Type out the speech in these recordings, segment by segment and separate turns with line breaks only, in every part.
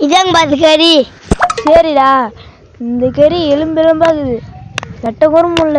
இதாங்க பாஸ் கறி.
சரிடா, இந்த கறி எலும்பெலும்பாகுது, வெட்ட கூட முடியல.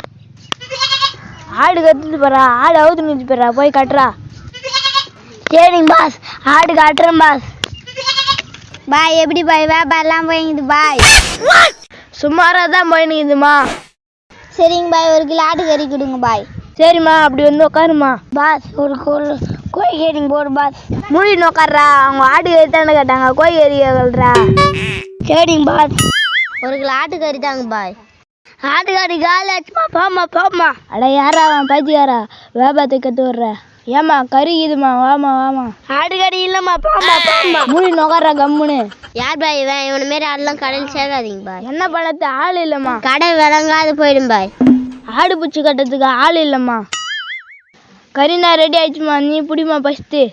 ஆடு கத்துட்டு போறா, ஆடு அவுத்து நிறுத்தி போறா, போய் கட்டுறா.
சரிங்க பாஸ், ஆடு காட்டுறேன் பாஸ். பாய் எப்படி பாய் வியாபாரம்லாம் போயிங்குது பாய்?
சுமாராக தான் போயினுக்குதுமா.
சரிங்க பாய், 1 கிலோ ஆட்டு கறி கொடுங்க பாய்.
சரிம்மா, அப்படி வந்து உட்காருமா.
பாஸ் ஒரு கோழி கறிங்க போடு பாஸ்.
மூடின்னு உட்கார்றா, அவங்க ஆடு கறி தானே கேட்டாங்க, கோழி கறி கேட்கறா.
சரிங்க பாஸ், 1 கிலோ ஆட்டு கறி தாங்க பாய். ஆட்டுக்கறி காலி ஆச்சுமா, போமா.
அட யாரா அவன் பைத்தியாரா, வியாபாரத்தை கற்று விட்ற. ஏமா கறி இதுமா, வாமா.
ஆட்டுக்கறி இல்லம்மா, போமா.
மூடின்னு உட்கார்றா கம்முன்னு.
யார் பாய் இவன்? இவனை மாரி ஆடெல்லாம் கடையில் சேர்க்காதீங்க பாய்.
என்ன பண்ணது, ஆள் இல்லைம்மா.
கடை விளங்காது போயிடும் பாய்.
ஆடு பூச்சி கட்டுறதுக்கு ஆள் இல்லைம்மா. கறினா ரெடி ஆயிடுச்சுமா, நீ பிடிமா ஃபஸ்ட்டு.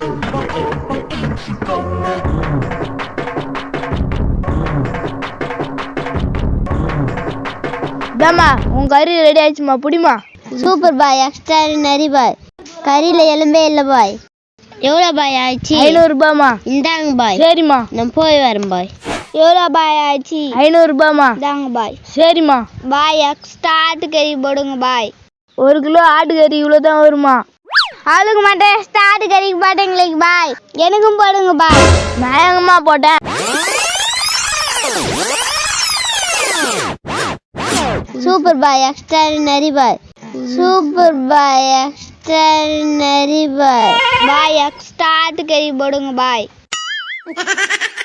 இதாம்மா உன் கறி ரெடி ஆயிடுச்சுமா, பிடிமா.
சூப்பர் பாய், எக்ஸ்ட்ரா நரி பாய். கறியில் எலும்பே இல்லை பாய். எவ்வளோ பாய் ஆயிடுச்சு?
500 ரூபாய்மா.
இந்தாங்க பாய்.
சரிம்மா,
நான் போய் வரேன் பாய். எவ்வளோ பாய் ஆயிடுச்சு?
500 ரூபாய்மா.
இந்தாங்க பாய்.
சரிம்மா.
பாய் எக்ஸ்ட்ரா ஆட்டுக்கறி போடுங்க பாய்.
1 கிலோ ஆட்டுக்கறி இவ்வளோ தான் வருமா?
ஆளுக்கு மட்டும் எக்ஸ்ட்ரா ஆட்டுக்கறிக்கு போட்டீங்களுக்கு பாய், எனக்கும் போடுங்க பாய்.
நான் எங்கம்மா போட்டேன்?
சூப்பர் பாய், எக்ஸ்ட்ரா நரி பாய். சூப்பர் பாய், எக்ஸ்ட்ரா நரி பாய். பாய் எக்ஸ்ட்ரா ஆட்டுக்கறி போடுங்க பாய்.